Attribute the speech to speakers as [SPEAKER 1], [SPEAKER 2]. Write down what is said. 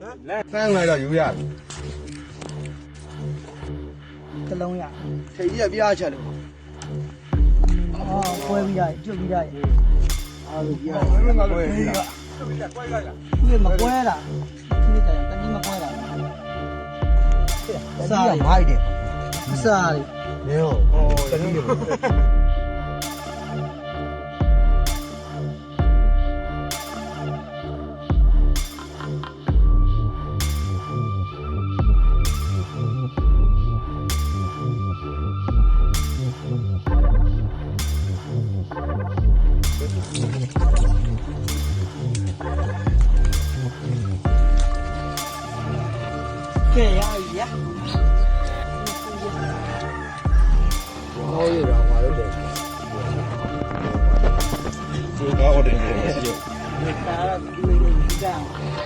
[SPEAKER 1] 三来了有呀，
[SPEAKER 2] 这龙呀，
[SPEAKER 1] 这也别吃了。
[SPEAKER 2] 哦，乖比较，就比较，
[SPEAKER 1] 啊，也我也是。
[SPEAKER 2] 你没乖了，你这样，跟你没乖了。
[SPEAKER 1] 啥的？买的。
[SPEAKER 2] 啥的？
[SPEAKER 1] 没有。哦，真有。
[SPEAKER 2] 这样一样。
[SPEAKER 1] 好一点，我的这。最高的这个。
[SPEAKER 2] 打了，这样。